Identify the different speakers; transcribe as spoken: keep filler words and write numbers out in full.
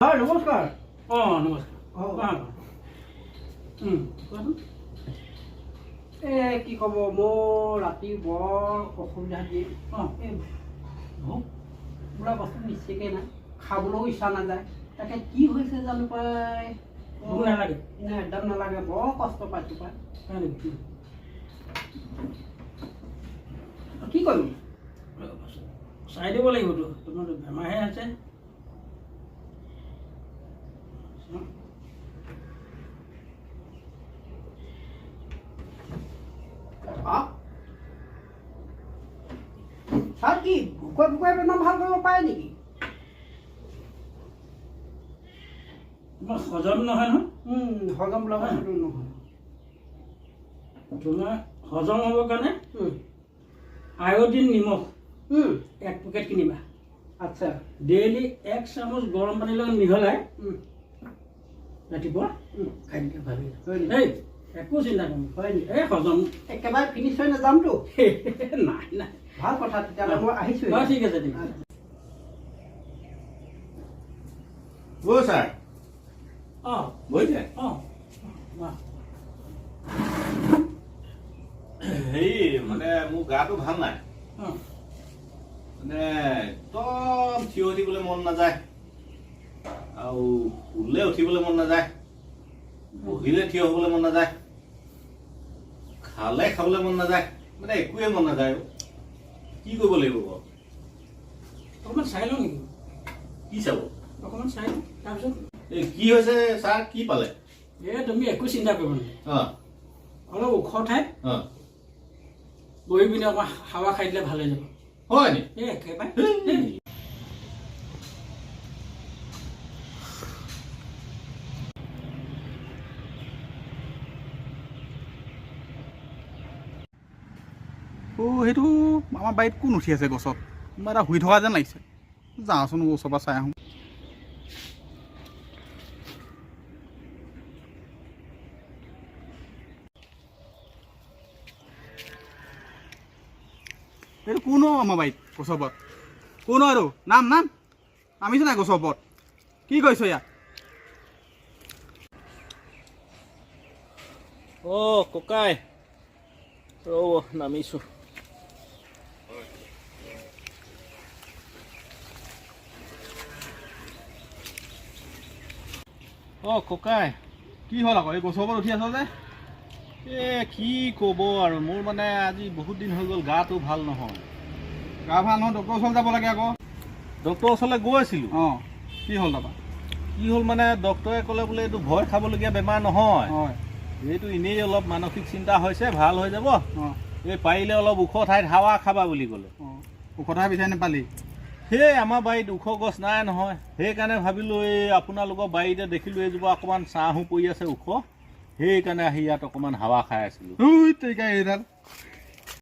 Speaker 1: হয় নমস্কাৰ।
Speaker 2: অঁ নমস্কাৰ।
Speaker 1: অঁ
Speaker 2: কোৱাচোন।
Speaker 1: এই কি ক'ব মোৰ ৰাতি বৰ অসুবিধা দিয়ে।
Speaker 2: অঁ
Speaker 1: এই ভোক বোলা বস্তু নিশ্চিকে নাই, খাবলৈও ইচ্ছা নাযায়। তাকে কি হৈছে জানো পাই।
Speaker 2: ভোক নালাগে?
Speaker 1: নাই একদম নালাগে, বৰ কষ্ট পাইছোঁ পাই।
Speaker 2: হয় নেকি?
Speaker 1: কি কৰিম?
Speaker 2: চাই দিব লাগিবতো, তোমাৰ বেমাৰহে আছে।
Speaker 1: ছাৰ কি ভোকুৱাই ভোকুৱাই বেমাৰ ভাল কৰিব পাৰে নেকি?
Speaker 2: তোমাৰ হজম নহয় নহয়।
Speaker 1: হজম বোলা বস্তুটো নহয়।
Speaker 2: তোমাৰ হজম হ'বৰ কাৰণে আয়ডিন নিমখ এক পেকেট কিনিবা।
Speaker 1: আচ্ছা।
Speaker 2: ডেইলি এক চামুচ গৰম পানীৰ লগত মিহলাই ৰাতিপুৱা খাই দিলে ভাল
Speaker 1: হয় নেকি?
Speaker 2: এই একো চিন্তা কৰিম।
Speaker 1: হয় নেকি?
Speaker 2: এই হজম
Speaker 1: একেবাৰে ফিনিছ হৈ নাযামতো।
Speaker 2: নাই নাই।
Speaker 1: ভাল কথা, তেতিয়াহ'লে মই আহিছোঁ।
Speaker 2: অঁ ঠিক আছে ঠিক আছে।
Speaker 3: অ' ছাৰ
Speaker 2: অঁ
Speaker 3: বহিছে?
Speaker 2: অঁ বাহ।
Speaker 3: হেৰি মানে মোৰ গাটো ভাল নাই,
Speaker 2: অঁ
Speaker 3: মানে একদম থিয় হৈ থাকিবলৈ মন নাযায়, আৰু শুলে উঠিবলৈ মন নাযায়, বহিলে থিয় হ'বলৈ মন নাযায়, খালে খাবলৈ মন নাযায়, মানে একোৱে মন নাযায়। কি কৰিব লাগিব বাৰু?
Speaker 2: অকণমান চাই লওঁ নেকি?
Speaker 3: কি চাব?
Speaker 2: অকণমান চাই লওঁ তাৰপিছত।
Speaker 3: এই কি হৈছে ছাৰ, কি পালে?
Speaker 2: এই তুমি একো চিন্তা কৰিব নালাগে।
Speaker 3: অঁ
Speaker 2: অলপ ওখ ঠাইত
Speaker 3: অঁ
Speaker 2: বহি পিনে অকণমান হাৱা খাই দিলে ভাল হৈ যাব।
Speaker 3: হয় নি?
Speaker 2: এই একেবাৰে
Speaker 4: অ' সেইটো আমাৰ বাৰীত কোন উঠি আছে গছত? কোনোবা এটা শুই থকা যেন লাগিছে। যাওঁচোন ওচৰৰ পৰা চাই আহোঁ। এইটো কোন আমাৰ বাৰীত গছৰ ওপৰত? কোন আৰু নাম নাম নামিছে নাই গছৰ ওপৰত? কি কৰিছ ইয়াত?
Speaker 3: অ' ককাই ৰ'ব নামিছোঁ। অ' ককাই
Speaker 4: কি হ'ল আকৌ এই গছৰ ওপৰত উঠি আছ যে?
Speaker 3: এ কি ক'ব আৰু, মোৰ মানে আজি বহুত দিন হৈ গ'ল, গাটো ভাল নহয়।
Speaker 4: গা ভাল নহয়, ডক্টৰৰ ওচৰত যাব লাগে আকৌ।
Speaker 3: ডক্টৰৰ ওচৰলৈ গৈ আছিলোঁ।
Speaker 4: অঁ কি হ'ল তাৰপৰা?
Speaker 3: কি হ'ল মানে ডক্টৰে ক'লে বোলে এইটো ভয় খাবলগীয়া বেমাৰ নহয়,
Speaker 4: হয়
Speaker 3: এইটো এনেই অলপ মানসিক চিন্তা হৈছে, ভাল হৈ যাব।
Speaker 4: অঁ
Speaker 3: এই পাৰিলে অলপ ওখ ঠাইত হাৱা খাবা বুলি ক'লে।
Speaker 4: অঁ ঔষধহে বিচাৰি নাপালি?
Speaker 3: সেই আমাৰ বাৰীত ওখ গছ নাই নহয়, সেইকাৰণে ভাবিলোঁ এই আপোনালোকৰ বাৰীতে দেখিলোঁ এইজোপা অকণমান ছাঁহো পৰি আছে ওখ, সেইকাৰণে আহি ইয়াত অকণমান হাৱা খাই আছিলোঁ।
Speaker 4: ঐ তেৰিকা এইডাল